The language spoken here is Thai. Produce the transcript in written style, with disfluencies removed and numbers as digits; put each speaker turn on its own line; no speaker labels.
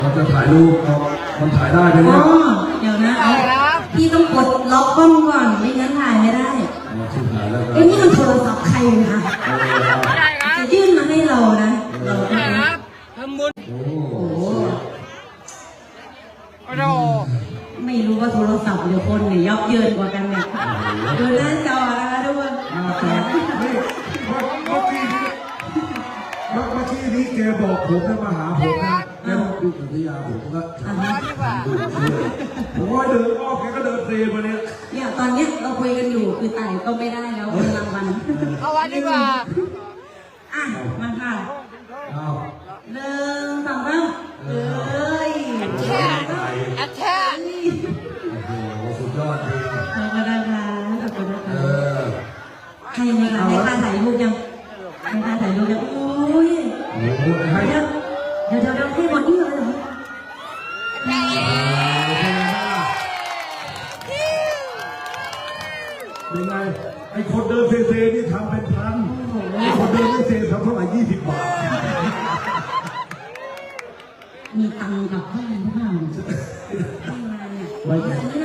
เราจะถ่ายรูปมันถ่ายได้ไหมเนี่ย
เดี๋ยวนะพี่ต้องกดล็อกกล้องก่อนไม่งั้นถ่ายไม่ได้เอ้ยนี่มันโทรศัพท์ใครนะจะยื่นมาให้เรานะเรา
ทำบุญ
โอ้โหไม่รู้ว่าโทรศัพท์หรือคนเนี่ยยับเยินกว่ากันเนี่ยดูหน้าจอนะคะทุกคน
เมื่อกี้นี้แกบอกผมให้มาหาผมนะแกบอกดูสัญญาผมก็ดูผมว่าเดินอ้อมแกก็เดินเซมาเนี่ย
ตอนเนี้ยเราคุยกันอยู่คือไต่ก็ไม่ได้แล้วเป็นรางวัล
เอาวันดีกว่า
มาค่ะ1 2 3เอ้ย
แช่
โอ้โหสุดยอดจริง
ขอบคุณนะคะขอบคุณนะคะใครไหมคะให้ค่าถ่ายรูปยังให้ค่าถ่ายรูปยังโอ้ยเดี๋ยวให้หมดนี่เลยเหรอ
เป็นไงไอ้คนเดินเซนี่ทำเป็นพันไอ้คนเดินไม่เซทำเท่าไหร่20 บาท
มีตังค์กับเพื่อนหรือเปล่าไม่มาเนี่ย